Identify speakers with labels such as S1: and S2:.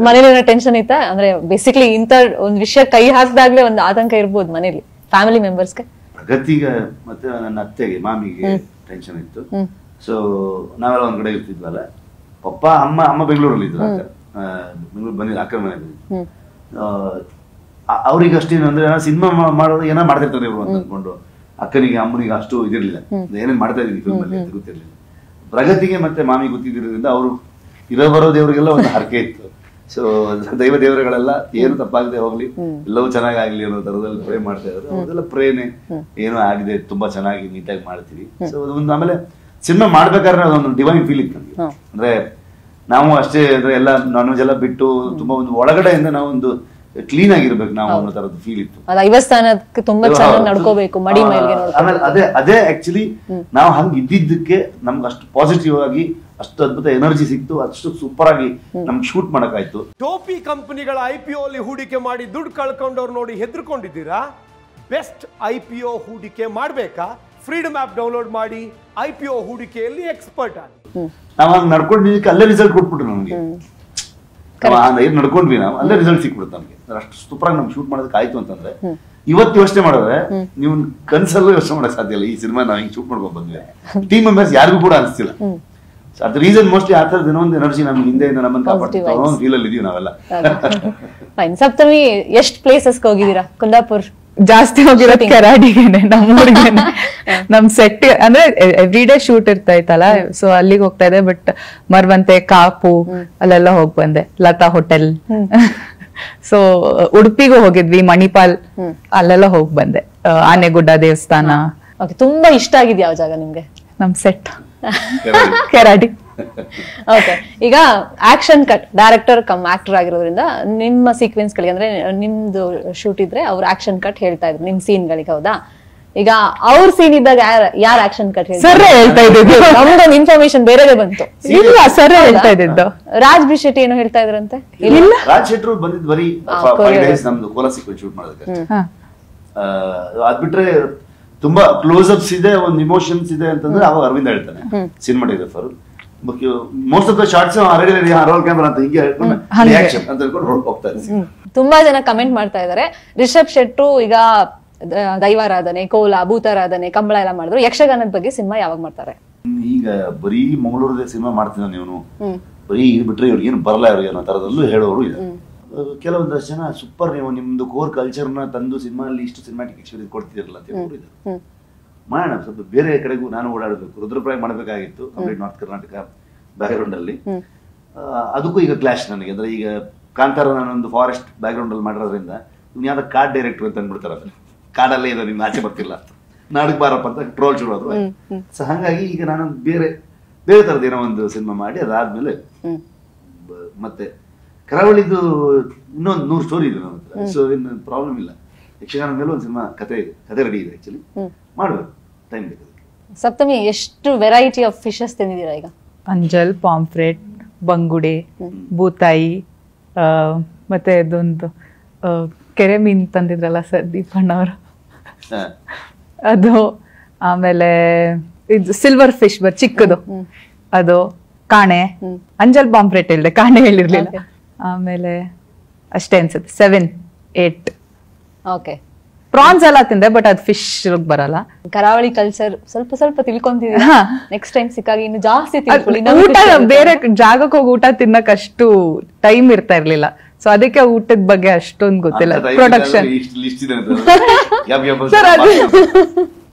S1: ಮನೇಲಿ ಟೆನ್ಷನ್ ಇತ್ತಾ? ಅಂದ್ರೆ ಬೇಸಿಕ್ಲಿ ಇಂತ ಒಂದ್ ವಿಷಯ ಕೈ ಹಾಕ್ದಾಗ್ಲೇ ಒಂದು ಆತಂಕ ಇರ್ಬೋದು ಮನೇಲಿ ಫ್ಯಾಮಿಲಿ ಮೆಂಬರ್ಸ್ಗೆ.
S2: ಪ್ರಗತಿಗೆ ಮತ್ತೆ ನನ್ನ ಅತ್ತೆಗೆ ಮಾಮಿಗೆ ಟೆನ್ಷನ್ ಇತ್ತು. ಸೊ ನಾವೆಲ್ಲ ಒಂದ್ ಕಡೆ ಇರ್ತಿದ್ವಲ್ಲ, ಪಪ್ಪ ಅಮ್ಮ ಬೆಂಗಳೂರಲ್ಲಿ ಇದ್ರು, ಬೆಂಗಳೂರು ಬಂದಿಲ್ಲ, ಅಕ್ಕನ ಮನೆ ಬಂದಿದ್ರು. ಅವ್ರಿಗೆ ಅಷ್ಟೇನು ಅಂದ್ರೆ ಸಿನಿಮಾ ಮಾಡೋದು ಏನೋ ಮಾಡ್ತಿರ್ತಾರೆ ಇವರು ಅಂತ ಅನ್ಕೊಂಡು, ಅಕ್ಕನಿಗೆ ಅಮ್ಮನಿಗೆ ಅಷ್ಟು ಇದಿರ್ಲಿಲ್ಲ, ಏನೇನ್ ಮಾಡ್ತಾ ಇದೀನಿ ಫಿಲ್ಮ್ ಅಲ್ಲಿ ಅಂತ ಗೊತ್ತಿರ್ಲಿಲ್ಲ. ಪ್ರಗತಿಗೆ ಮತ್ತೆ ಮಾಮಿ ಗೊತ್ತಿದ್ದಿರೋದ್ರಿಂದ ಅವರು ಇರೋ ಬರೋ ದೇವರಿಗೆಲ್ಲ ಒಂದು ಹರಕೆ ಇತ್ತು. ಸೊ ದೈವ ದೇವರುಗಳೆಲ್ಲ ಏನು ತಪ್ಪಾಗದೆ ಹೋಗ್ಲಿ, ಎಲ್ಲವೂ ಚೆನ್ನಾಗಾಗ್ಲಿ ಅನ್ನೋ ತರದಲ್ಲಿ ಪ್ರೇ ಮಾಡ್ತಾ ಇದ್ರು. ಅದೆಲ್ಲ ಪ್ರೇನೆ ಏನೋ ಆಗಿದೆ, ತುಂಬಾ ಚೆನ್ನಾಗಿ ನೀಟಾಗಿ ಮಾಡ್ತೀವಿ. ಸೊ ಒಂದು ಆಮೇಲೆ ಸಿನಿಮಾ ಮಾಡ್ಬೇಕಾದ್ರೆ ಅದೊಂದು ಡಿವೈನ್ ಫೀಲ್ ಇತ್ತು ನಮ್ಗೆ. ಅಂದ್ರೆ ನಾವು ಅಷ್ಟೇ ಅಂದ್ರೆ ಎಲ್ಲ ನಾನ್ ವೆಜ್ ಎಲ್ಲ ಬಿಟ್ಟು ತುಂಬಾ ಒಂದು ಒಳಗಡೆಯಿಂದ ನಾವು ಒಂದು ಕ್ಲೀನ್ ಆಗಿರ್ಬೇಕು ನಾವು ಅನ್ನೋ ತರದ್ದು ಫೀಲ್ ಇತ್ತು.
S1: ದೈವಸ್ಥಾನಕ್ಕೆ ತುಂಬಾ ಚೆನ್ನಾಗಿ ನಡ್ಕೋಬೇಕು, ಮಡಿ ಮೇಲ್ಗೆ
S2: ಆಮೇಲೆ ಅದೇ ಆಕ್ಚುಲಿ ನಾವು ಹಂಗ ಇದ್ದಿದ್ದಕ್ಕೆ ನಮ್ಗೆ ಅಷ್ಟು ಪಾಸಿಟಿವ್ ಆಗಿ ಅಷ್ಟು ಅದ್ಭುತ ಎನರ್ಜಿ ಸಿಕ್ತು, ಅಷ್ಟು ಸೂಪರ್ ಆಗಿ ನಮ್ಗೆ ಶೂಟ್ ಮಾಡಕ್ಕಾಯ್ತು.
S3: ಟೋಪಿ ಕಂಪನಿಗಳ IPO ಅಲ್ಲಿ ಹೂಡಿಕೆ ಮಾಡಿ ದುಡ್ಡು ಕಳ್ಕೊಂಡವ್ರು ನೋಡಿ ಹೆದರ್ಕೊಂಡಿದ್ದೀರಾ? ಬೆಸ್ಟ್ IPO ಹೂಡಿಕೆ ಮಾಡ್ಬೇಕಾ? ಫ್ರೀಡಮ್ ಆಪ್ ಡೌನ್ಲೋಡ್ ಮಾಡಿ IPO ಹೂಡಿಕೆಯಲ್ಲಿ ಎಕ್ಸ್ಪರ್ಟ್ ಆಗಿ.
S2: ನಾವ್ ಹಂಗ್ ನಡ್ಕೊಂಡಿದ್ದಕ್ಕೆ ಅಲ್ಲೇ ರಿಸಲ್ಟ್ ಕೊಟ್ಬಿಟ್ರು ನಮ್ಗೆ. ಏನ್ ನಡ್ಕೊಂಡ್ವಿ ನಾವು ಅಲ್ಲೇ ರಿಸಲ್ಟ್ ಸಿಕ್ಬಿಡುತ್ತೆ ನಮ್ಗೆ. ಅಷ್ಟು ಸೂಪರ್ ಆಗಿ ನಮ್ಗೆ ಶೂಟ್ ಮಾಡೋದಕ್ಕೆ ಆಯ್ತು ಅಂತಂದ್ರೆ ಇವತ್ತು ಯೋಚನೆ ಮಾಡಿದ್ರೆ ನೀವು ಕನ್ಸಲ್ಲೂ ಯೋಚನೆ ಮಾಡಕ್ ಸಾಧ್ಯ ಇಲ್ಲ. ಈ ಸಿನಿಮಾ ನಾವ್ ಹಿಂಗ್ ಶೂಟ್ ಮಾಡ್ಕೊಂಡ್ ಬಂದ್ವಿ, ಟೀಮ್ ಮೆಂಬರ್ಸ್ ಯಾರಿಗೂ ಕೂಡ ಅನಿಸ್ತಿಲ್ಲ. ಅದ್ ರೀಸನ್ ಮೋಸ್ಟ್ಲಿ ಆ ತರದ ಏನೋ ಒಂದು ಎನರ್ಜಿ ನಮ್ಗೆ ಹಿಂದೆಯಿಂದ ನಮ್ಮನ್ನ ಕಾಪಾಡ್ತೀವಿ ಅನ್ನೋ ಫೀಲ್ ಅಲ್ಲಿ ಇದೀವಿ ನಾವೆಲ್ಲ.
S1: ಸಪ್ತಮಿ ಎಷ್ಟ್ ಪ್ಲೇಸಸ್ ಹೋಗಿದ್ದೀರಾ? ಕುಂದಾಪುರ್
S4: ಜಾಸ್ತಿ ಹೋಗಿರೋದು ಕೆರಾಡಿಗೆನೆ, ನಮ್ಮೂರಿಗೆನೆ. ನಮ್ ಸೆಟ್ ಅಂದ್ರೆ ಎವ್ರಿ ಡೇ ಶೂಟ್ ಇರ್ತಾ ಇತ್ತಲ್ಲ, ಸೊ ಅಲ್ಲಿಗೆ ಹೋಗ್ತಾ ಇದೆ. ಬಟ್ ಮರ್ವಂತೆ, ಕಾಪು ಅಲ್ಲೆಲ್ಲ ಹೋಗ್ ಬಂದೆ, ಲತಾ ಹೋಟೆಲ್. ಸೊ ಉಡುಪಿಗೂ ಹೋಗಿದ್ವಿ, ಮಣಿಪಾಲ್ ಅಲ್ಲೆಲ್ಲ ಹೋಗ್ ಬಂದೆ, ಆನೆಗುಡ್ಡ ದೇವಸ್ಥಾನ.
S1: ತುಂಬಾ ಇಷ್ಟ ಆಗಿದ್ ಯಾವ ಜಾಗ ನಿಮ್ಗೆ?
S4: ನಮ್ ಸೆಟ್ ಕೆರಾಡಿ.
S1: ಓಕೆ, ಈಗ action cut director cum actor ಆಗಿರೋದ್ರಿಂದ ನಿಮ್ಮ ಸೀಕ್ವೆನ್ಸ್ ಗಳಿಗೆ ಅಂದ್ರೆ ನಿಮ್ದು ಶೂಟ್ ಇದ್ರೆ ಅವ್ರ ಆಕ್ಷನ್ ಕಟ್ ಹೇಳ್ತಾ ಇದ್ರು ನಿಮ್ ಸೀನ್ ಗಳಿಗೆ, ಹೌದಾ? ಈಗ ಅವ್ರ ಸೀನ್ ಇದ್ದಾಗ ಯಾರು ಆಕ್ಷನ್ ಕಟ್
S4: ಸರ್ ಹೇಳ್ತಾ ಇದ್ದು?
S1: ನಮ್ದೊಂದು ಇನ್ಫಾರ್ಮೇಶನ್ ಬೇರೆದೇ ಬಂತು.
S4: ಇಲ್ಲ, ಸರ್ ಹೇಳ್ತಾ ಇದ್ದು.
S1: ರಾಜ್ ಬಿ ಶೆಟ್ಟಿ ಏನೋ ಹೇಳ್ತಾ ಇದ್ರಂತೆ.
S4: ಇಲ್ಲ,
S2: ರಾಜ್ ಶೆಟ್ರು ಬಂದಿದ್ ಬರೀ 5 days ನಮ್ದು ಕೋಲ ಸೀಕ್ವೆನ್ಸ್ ಶೂಟ್ ಮಾಡೋದಕ್ಕೆ. ಅದ್ ಬಿಟ್ರೆ ತುಂಬಾ ಕ್ಲೋಸ್ ಅಪ್ಸ್ ಇದೆ, ಒಂದು ಇಮೋಷನ್ಸ್ ಇದೆ ಅಂತಂದ್ರೆ ಅವಾಗ ಅರವಿಂದ ಹೇಳ್ತಾನೆ, cinematographer. Most of the shorts roll camera ಅಂತ ಹಿಂಗೆ ಹೇಳ್ಕೊಂಡು ರಿಯಾಕ್ಷನ್ ಅಂತ ಹೇಳ್ಕೊಂಡು ಹೋಗ್ತಾ ಇದ್ದಾರೆ.
S1: ತುಂಬಾ ಜನ ಕಮೆಂಟ್ ಮಾಡ್ತಾ ಇದಾರೆ, ರಿಷಬ್ ಶೆಟ್ರು ಈಗ ದೈವಾರಾಧನೆ, ಕೋಲ, ಭೂತಾರಾಧನೆ, ಕಂಬಳ ಎಲ್ಲ ಮಾಡಿದ್ರು, ಯಕ್ಷಗಾನದ ಬಗ್ಗೆ ಸಿನಿಮಾ ಯಾವಾಗ ಮಾಡ್ತಾರೆ?
S2: ಈಗ ಬರೀ ಮಂಗಳೂರದ ಸಿನಿಮಾ ಮಾಡ್ತೀನಿ ನೀವು, ಬರೀ ಇದು ಬಿಟ್ರೆ ಇವ್ರಿಗೆ ಏನು ಬರಲ್ಲ ಇವ್ರಿಗೆ ಅನ್ನೋ ತರದಲ್ಲೂ ಹೇಳೋರು ಇದೆ. ಕೆಲವೊಂದಷ್ಟು ಜನ ಸೂಪರ್, ನೀವು ನಿಮ್ದು ಕೋರ್ ಕಲ್ಚರ್ನ ತಂದು ಸಿನಿಮಾಲ್ಲಿ ಇಷ್ಟು ಸಿನಿಮಾಟಿಕ್ ಎಕ್ಸ್ಪೀರಿಯನ್ಸ್ ಕೊಡ್ತಿರಲ್ಲ ಅಂತ ಹೇಳೋರು ಇದೆ. ಮಾಡೋಣ, ಸ್ವಲ್ಪ ಬೇರೆ ಕಡೆಗೂ ನಾನು ಓಡಾಡಬೇಕು. ರುದ್ರಪ್ರಾಯ ಮಾಡಬೇಕಾಗಿತ್ತು, complete north Karnataka background ಅಲ್ಲಿ. ಅದಕ್ಕೂ ಈಗ ಕ್ಲಾಶ್ ನನಗೆ. ಅಂದ್ರೆ ಈಗ ಕಾಂತಾರ ನಾನೊಂದು ಫಾರೆಸ್ಟ್ ಬ್ಯಾಕ್ ಗ್ರೌಂಡ್ ಅಲ್ಲಿ ಮಾಡಿರೋದ್ರಿಂದ ಇವ್ನು ಯಾವ್ದು ಕಾರ್ಡ್ ಡೈರೆಕ್ಟರ್ ಅಂತ ಅಂದ್ಬಿಡ್ತಾರ, ಕಾಡಲ್ಲೇ ಇದೆ, ನಿಮ್ಗೆ ಆಚೆ ಬರ್ತಿಲ್ಲ ಅಂತ, ನಾಡಕ್ ಬಾರಪ್ಪ ಅಂತ ಟ್ರೋಲ್ ಶುರು ಆದ್ರು. ಸೊ ಹಾಗಾಗಿ ಈಗ ನಾನು ಬೇರೆ ಬೇರೆ ತರದ ಏನೋ ಒಂದು ಸಿನಿಮಾ ಮಾಡಿ ಅದಾದ್ಮೇಲೆ ಮತ್ತೆ ಕರಾವಳಿದು ಇನ್ನೊಂದು 100 ಸ್ಟೋರಿ ಇದೆ ನನ್ನ ಹತ್ರ. ಸೊ ಏನು ಪ್ರಾಬ್ಲಮ್ ಇಲ್ಲ. ಯಕ್ಷಗಾನದ ಮೇಲೆ ಒಂದು ಸಿನಿಮಾ ಕತೆ ರೆಡಿ ಇದೆ, ಆಕ್ಚುಲಿ ಮಾಡ್ಬೇಕು, ಟೈಮ್ ಬೇಕು.
S1: ಸಪ್ತಮಿ ಎಷ್ಟು ವೆರೈಟಿ ಆಫ್ ಫಿಶಸ್ ತಿಂದಿದ್ದೀರಾ ಈಗ?
S4: ಅಂಜಲ್, ಪಾಂಫ್ರೆಟ್, ಬಂಗುಡೆ, ಬೂತಾಯಿ, ಮತ್ತೆ ಅದೊಂದು ಕೆರೆ ಮೀನ್ ತಂದಿದ್ರಲ್ಲ ಸರ್ ದೀಪಣ್ಣ ಅವರು, ಅದು. ಆಮೇಲೆ ಇದು ಸಿಲ್ವರ್ ಫಿಶ್ ಚಿಕ್ಕದು, ಅದು. ಕಾಣೆ, ಅಂಜಲ್ ಪಾಂಫ್ರೆಟ್ ಹೇಳಿದೆ, ಕಾಣೆ ಹೇಳಿರ್ಲಿಲ್ಲ. ಆಮೇಲೆ ಅಷ್ಟೇ ಅನ್ಸುತ್ತೆ, 7, 8.
S1: ಓಕೆ,
S4: ಪ್ರಾನ್ಸ್ ಎಲ್ಲ ತಿಂದೆ, ಬಟ್ ಅದು ಫಿಶ್ ಬರಲ್ಲ.
S1: ಕರಾವಳಿ ಕಲ್ಚರ್ ಸ್ವಲ್ಪ ಸ್ವಲ್ಪ ತಿಳ್ಕೊಂತಿದ್ದೀರಾ? ನೆಕ್ಸ್ಟ್ ಟೈಮ್ ಸಿಕ್ಕಾಗ ಇನ್ನು ಜಾಸ್ತಿ ತಿಳ್ಕೊಳ್ಳಿ.
S4: ಊಟ ಬೇರೆ ಜಾಗಕ್ಕೆ ಹೋಗಿ ಊಟ ತಿನ್ನಕ್ ಅಷ್ಟು ಟೈಮ್ ಇರ್ತಾ ಇರ್ಲಿಲ್ಲ, ಸೊ ಅದಕ್ಕೆ ಊಟದ ಬಗ್ಗೆ ಅಷ್ಟೊಂದು ಗೊತ್ತಿಲ್ಲ. ಪ್ರೊಡಕ್ಷನ್
S2: ಸರ್ ಅದು